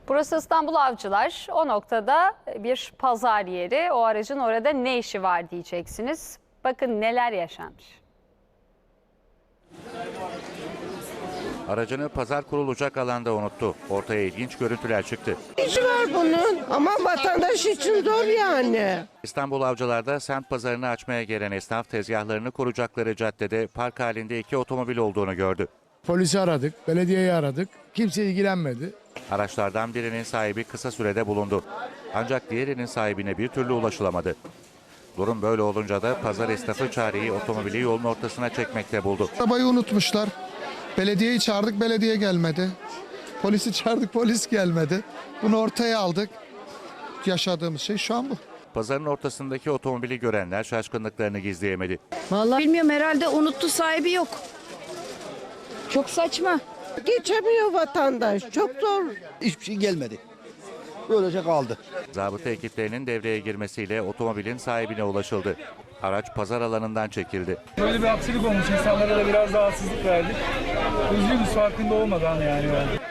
Burası İstanbul Avcılar. O noktada bir pazar yeri. O aracın orada ne işi var diyeceksiniz. Bakın neler yaşanmış. Aracını pazar kurulacak alanda unuttu. Ortaya ilginç görüntüler çıktı. İşi var bunun ama vatandaş için zor yani. İstanbul Avcılar'da semt pazarını açmaya gelen esnaf tezgahlarını kuracakları caddede park halinde 2 otomobil olduğunu gördü. Polisi aradık, belediyeyi aradık. Kimse ilgilenmedi. Araçlardan birinin sahibi kısa sürede bulundu. Ancak diğerinin sahibine bir türlü ulaşılamadı. Durum böyle olunca da pazar esnafı çareyi otomobili yolun ortasına çekmekte buldu. Arabayı unutmuşlar. Belediyeyi çağırdık, belediye gelmedi. Polisi çağırdık, polis gelmedi. Bunu ortaya aldık. Yaşadığımız şey şu an bu. Pazarın ortasındaki otomobili görenler şaşkınlıklarını gizleyemedi. Vallahi bilmiyorum, herhalde unuttu, sahibi yok. Çok saçma. Geçemiyor vatandaş. Çok zor. Hiçbir şey gelmedi. Böylece kaldı. Zabıta ekiplerinin devreye girmesiyle otomobilin sahibine ulaşıldı. Araç pazar alanından çekildi. Böyle bir aksilik olmuş. İnsanlara da biraz rahatsızlık verdik. Üzgünüz, farkında olmadan yani.